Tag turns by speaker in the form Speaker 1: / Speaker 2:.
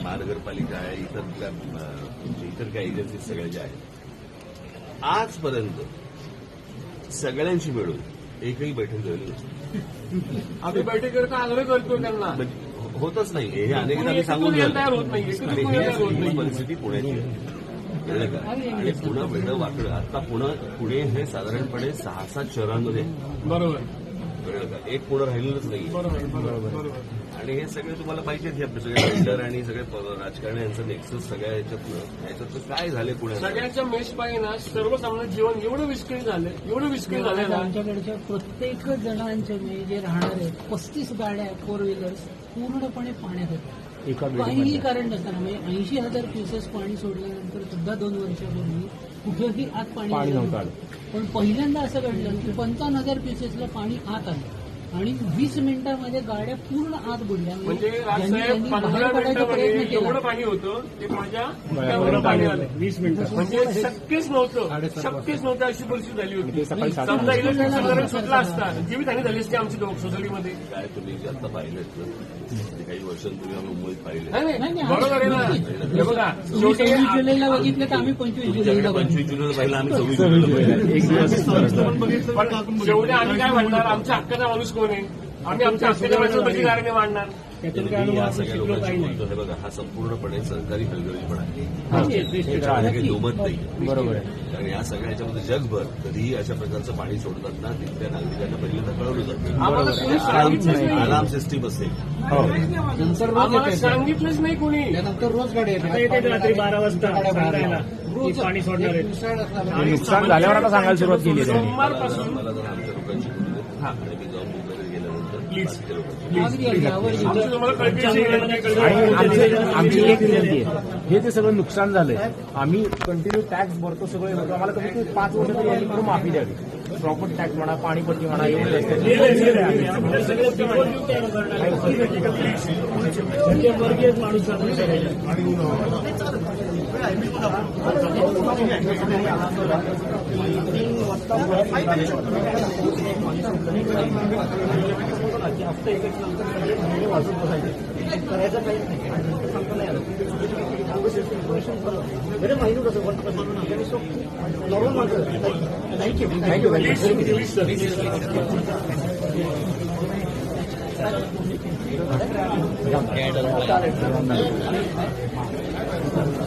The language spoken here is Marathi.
Speaker 1: महानगरपालिका आहे, इतर काही एजन्सी सगळ्या ज्या आहेत, आजपर्यंत सगळ्यांशी मिळून एकही बैठक झाली नसते.
Speaker 2: आम्ही बैठकीवर का आग्रह करतो त्यांना,
Speaker 1: म्हणजे होतच नाही. हे अनेकदा मी सांगून
Speaker 2: तयार होत नाही,
Speaker 1: ही परिस्थिती पुण्याची आहे. कळलं का? आणि पुणे वेगळं वाकडं. आता पुणे हे साधारणपणे 6-7 शहरांमध्ये
Speaker 2: बरोबर,
Speaker 1: कळलं का? एक पुणे राहिलेलंच नाही.
Speaker 2: बरोबर.
Speaker 1: आणि हे सगळे तुम्हाला पाहिजेच, हे आपले सगळे बिल्डर आणि सगळे राजकारणी यांचं नेक्सस सगळ्या ह्याच्यात काय झाले पुण्यात.
Speaker 2: सगळ्यांच्या मेषपायी ना सर्वसामान्य जीवन एवढं विस्कळीत झालंय ना.
Speaker 3: आमच्याकडच्या प्रत्येक जणांचे जे राहणार आहेत 35 गाड्या 4 व्हीलर्स पूर्णपणे पाण्यात होत्या. काहीही कारण नसताना म्हणजे 80,000 क्युसेस पाणी सोडल्यानंतर सुद्धा 2 वर्षापूर्वी कुठेही आत पाणी नव्हतं. पण पहिल्यांदा असं घडलं की 55,000 क्युसेसला पाणी आत आलं आणि 20 मिनिटांमध्ये गाड्या पूर्ण आत बुडल्या.
Speaker 2: म्हणजे राजसाहेब 15 मिनिटांमध्ये एवढं पाणी होतं ते माझ्या डोक्यावर पाणी आलं 20 मिनिटं. म्हणजे शक्यच नव्हतं अशी परिस्थिती झाली होती. समजा इलेक्ट्रिक सुटला असता जीवितहानी झाली असती आमची सोसायटीमध्ये.
Speaker 1: काय तुम्ही जे आता पाहिलेत ना, काही वर्षांपूर्वी आम्ही मुंबईत पाहिले.
Speaker 2: बरोबर आहे ना. हे बघा,
Speaker 3: 26 जुलैला बघितलं तर आम्ही 25 जुलैला
Speaker 1: 25 जुलैला पाहिलं, आम्ही 26 जुलैला
Speaker 2: एक दिवस. पण शेवटी आम्ही काय म्हणणार, आमच्या हक्काचा माणूस कोण आहे, आम्ही आमच्या हक्काच्या माणसाला कशी गाडी मांडणार.
Speaker 1: या सगळ्या लोकांशी बोलतो. हे बघा, हा संपूर्णपणे सरकारी हलगर्जीपणा आहे. त्याच्यामध्ये काही दुमत नाही. बरोबर आहे. कारण या सगळ्या ह्याच्यामध्ये जगभर कधीही अशा प्रकारचं पाणी सोडतात ना, तिथल्या नागरिकांना पहिल्यांदा कळवलं जातं. अलार्म सिस्टीम असेल.
Speaker 2: आम्हाला सांगितलंच नाही कोणी.
Speaker 3: नंतर रोज गाड्या
Speaker 4: येते रात्री 12 वाजता पाणी सोडणार आहे.
Speaker 5: नुकसान झाल्यावर आता सांगायला सुरुवात केली.
Speaker 2: सोमवारपासून
Speaker 1: मला जर आमच्या लोकांशी बोलले आणि मी जाऊन मुंबईला गेल्यानंतर
Speaker 5: आमची एक विनंती आहे, हे जे सगळं नुकसान झालंय, आम्ही कंटिन्यू टॅक्स भरतो सगळे लोक, आम्हाला कमीत कमी 5 वर्ष तरी यांनी करून माफी द्यावी. प्रॉपर्टी टॅक्स म्हणा, पाणीपट्टी म्हणा, एवढं
Speaker 4: माणूस
Speaker 3: करायचं काही थँक्यू.